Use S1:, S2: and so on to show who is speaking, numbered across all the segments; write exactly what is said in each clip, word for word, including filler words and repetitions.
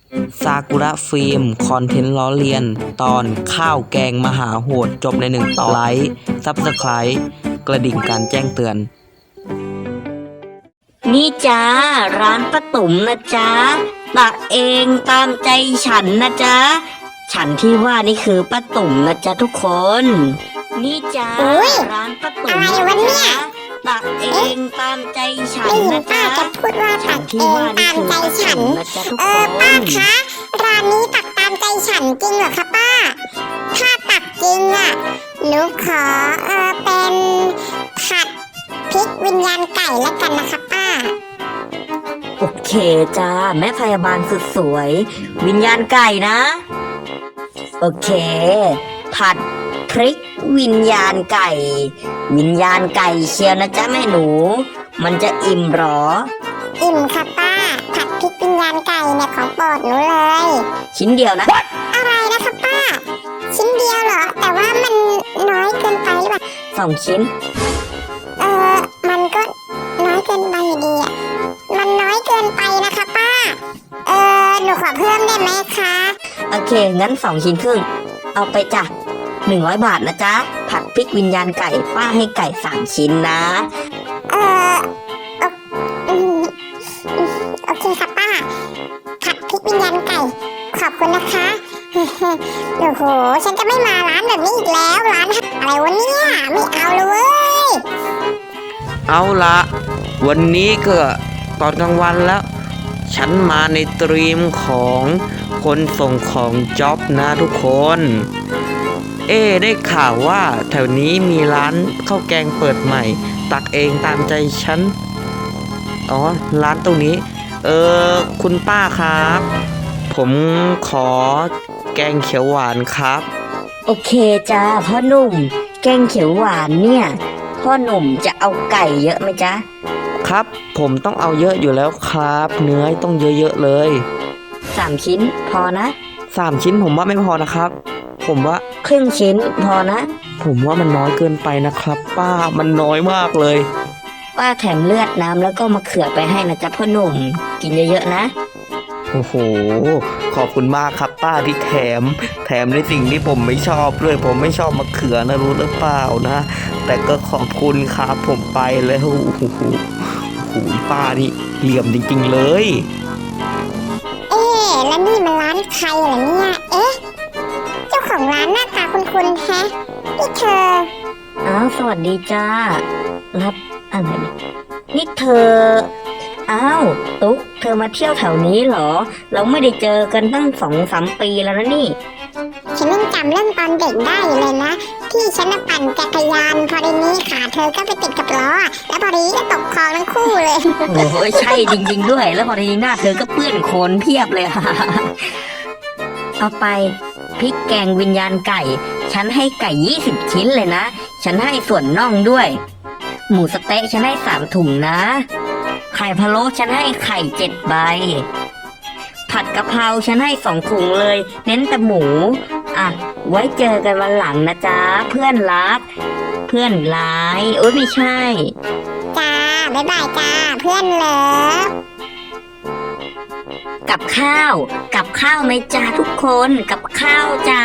S1: ซากุระฟิล์มคอนเทนต์ล้อเลียน ตอนข้าวแกงมหาโหดจบในหนึ่งตอนไลค์ซับสไครต์กระดิ่งการแจ้งเตือน
S2: นี่จ้าร้านป้าตุ๋มนะจ๊ะตักเองตามใจฉันนะจ๊ะฉันที่ว่านี่คือป้าตุ๋มนะจ๊ะทุกคนนี่จ้าร้านป้าตุ๋มอะไรวะเนี่ยตักเองตามใจฉันนะจ๊ะ
S3: จะพูดว่าตักเองตามใจฉันเออป้าคะร้านนี้ตักตามใจฉันจริงเหรอคะป้าถ้าตักจริงอ่ะหนูขอเออเป็นผัดพริกวิญญาณไก่แล้วกันนะคะป้า
S2: โอเคจ้าแม่พยาบาลสุดสวยวิญญาณไก่นะโอเคผัดพริกวิญญาณไก่วิญญาณไก่เชียวนะจ๊ะแม่หนูมันจะอิ่มหรอ
S3: อิ่มค่ะป้าผัดพริกวิญญาณไก่เนี่ยของโปรดหนูเลย
S2: ชิ้นเดียวนะ
S3: What? อะไรนะคะป้าชิ้นเดียวเหรอแต่ว่ามันน้อยเกินไปหรือเปล่า
S2: สองชิ้น
S3: เออมันก็น้อยเกินไปอยู่ดีอ่ะมันน้อยเกินไปนะคะป้าเออหนูขอเพิ่มได้ไหมคะ
S2: โอเคงั้นสองชิ้นครึ่งเอาไปจ้ะหนึ่งร้อยบาทนะจ๊ะผัดพริกวิญญาณไก่ป้าให้ไก่สามชิ้นนะ
S3: เออโอเคค่ะป้าผัดพริกวิญญาณไก่ขอบคุณนะคะโอ้โหฉันจะไม่มาร้านแบบนี้อีกแล้วร้านอะไรวะเนี่ยไม่เอาเลยเว้ย
S1: เอาละวันนี้ก็ตอนกลางวันแล้วฉันมาในตรีมของคนส่งของจ็อบนะทุกคนเอ๊ได้ข่าวว่าแถวนี้มีร้านข้าวแกงเปิดใหม่ตักเองตามใจฉันอ๋อร้านตรงนี้เออคุณป้าครับผมขอแกงเขียวหวานครับ
S2: โอเคจ้าพ่อหนุ่มแกงเขียวหวานเนี่ยพ่อหนุ่มจะเอาไก่เยอะไหมจ๊ะ
S1: ครับผมต้องเอาเยอะอยู่แล้วครับเนื้อต้องเยอะๆเลย
S2: สามชิ้นพอนะ
S1: สามชิ้นผมว่าไม่พอนะครับผมว่า
S2: ครึ่งชิ้นพอนะ
S1: ผมว่ามันน้อยเกินไปนะครับป้ามันน้อยมากเลย
S2: ป้าแถมเลือดน้ำแล้วก็มะเขือไปให้นะจ๊ะพ่อหนุ่มกินเยอะๆนะ
S1: โอ้โหขอบคุณมากครับป้าที่แถมแถมในสิ่งที่ผมไม่ชอบเลยผมไม่ชอบมะเขือนะรู้หรือเปล่านะแต่ก็ขอบคุณครับผมไปแล้วโอ้โหโอ้โหป้านี่เหลี่ยมจริงๆเลย
S3: เอ๊ะแล้วนี่มันร้านใครเหรอเนี่ยเอ๊ะเจ้าของร้านหน้าตาคุ้นๆแฮะนี่เธอ
S2: อ้าวสวัสดีจ้ารับอะไรนี่เธออ้าวตุ๊กเธอมาเที่ยวแถวนี้เหรอเราไม่ได้เจอกันตั้งสองสามปีแล้วนะนี่
S3: ฉันยังจำเรื่องตอนเด็กได้เลยนะที่ฉันปั่นจักรยานพอดีนี้ขาเธอก็ไปติดกับล้อแล้วพอดีก็ตกคลองทั้งคู่เลย
S2: โอ้ยใช่จริงๆด้วยแล้วพอดีหน้าเธอก็เปื้อนโคลนเพียบเลยเอาไปพริกแกงวิญญาณไก่ฉันให้ไก่ยี่สิบชิ้นเลยนะฉันให้ส่วนน่องด้วยหมูสะเต๊ะฉันให้สามถุงนะไข่พะโล้ฉันให้ไข่เจ็ดใบผัดกะเพราฉันให้สองถุงเลยเน้นแต่หมูอ่ะไว้เจอกันวันหลังนะจ๊ะเพื่อนรักเพื่อนร้ายโอ๊ยไม่ใช่
S3: จ้าบ๊ายบายจ้าเพื่อนเลิฟ
S2: กับข้าวกับข้าวไหมจ้าทุกคนกับข้าวจ้า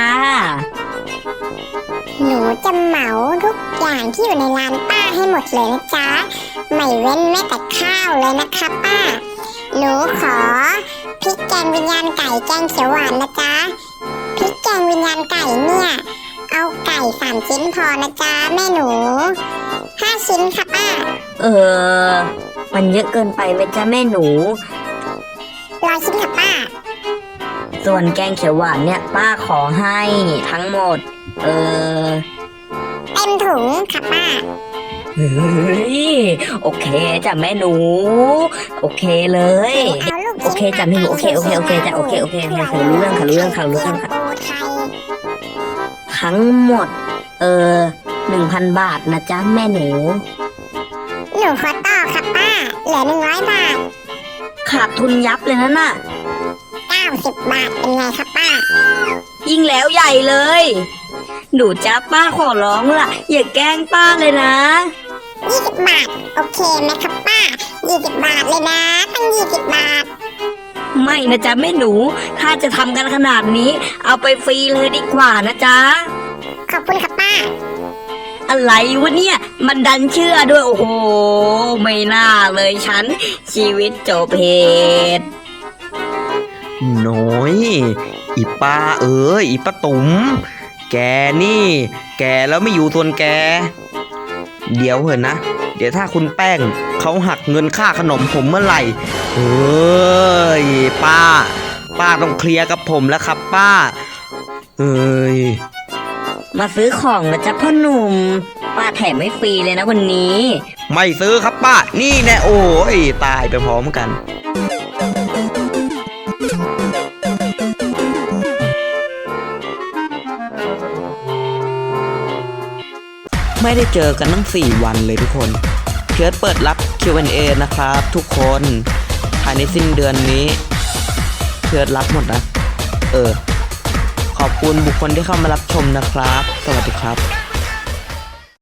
S3: หนูจะเหมาทุกอย่างที่อยู่ในร้านป้าให้หมดเลยนะจ๊ะไม่เว้นแม้แต่ข้าวเลยนะคะป้าหนูขอพริกแกงวิญญาณไก่แกงเขียวหวานนะจ๊ะพริกแกงวิญญาณไก่เนี่ยเอาไก่สามชิ้นพอนะจ๊ะแม่หนูห้าชิ้นค่ะป้า
S2: เออมันเยอะเกินไปไหมจ๊ะแม่หนู
S3: ร้อยชิ้นค่ะป้า
S2: ส่วนแกงเขียวหวานเนี่ยป้าขอให้ทั้งหมดเออ
S3: เต็มถุงค่ะป้า
S2: เฮ้ยโอเคจ้ะแม่หนูโอเคเลยโอเคจ้ะแม่หนูโอเคโอเคโอเคจ้ะโอเคโอเคค่ะรู้เรื่องค่ะรู้เรื่องค่ะรู้เรื่องค่ะทั้งหมดเออหนึ่งพันบาทนะจ๊ะแม่หนู
S3: หนูขอต่อค่ะป้าเหลือหนึ่งร้อยบาท
S2: ขาดทุนยับเลยนะน่ะ
S3: เก้าสิบบาทเป็นไงครับป้า
S2: ยิ่งแล้วใหญ่เลยหนูจ้าป้าขอร้องล่ะอย่าแกล้งป้าเลยนะ
S3: ยี่สิบบาทโอเคไหมครับป้ายี่สิบบาทเลยนะตั้งยี่สิบบาท
S2: ไม่นะจ๊ะแม่หนู ถ้าจะทำกันขนาดนี้ เอาไปฟรีเลยดีกว่านะจ๊ะ
S3: ขอบคุณค่ะป้า
S2: อะไรวะเนี่ย มันดันเชื่อด้วยโอ้โห ไม่น่าเลยฉัน ชีวิตจบเหตุ
S1: น้อย อีป้าเอ๋ยอีป้าตุ๋มแกนี่ แกแล้วไม่อยู่ส่วนแก เดี๋ยวเหอะนะ เดี๋ยวถ้าคุณแป้งเขาหักเงินค่าขนมผมเมื่อไหร่เฮ้ยป้า ป้าต้องเคลียร์กับผมแล้วครับป้าเอ้ย
S2: มาซื้อของนะจ๊ะพ่อหนุ่ม ป้าแถมไม่ฟรีเลยนะวันนี้
S1: ไม่ซื้อครับป้า นี่แน่โอ้ยตายไปพร้อมกัน ไม่ได้เจอกันตั้งสี่วันเลยทุกคนเพียรเปิดรับ คิว แอนด์ เอ นะครับทุกคนภายในสิ้นเดือนนี้เพียรรับหมดนะ เออ ขอบคุณบุคคลที่เข้ามารับชมนะครับ สวัสดีครับ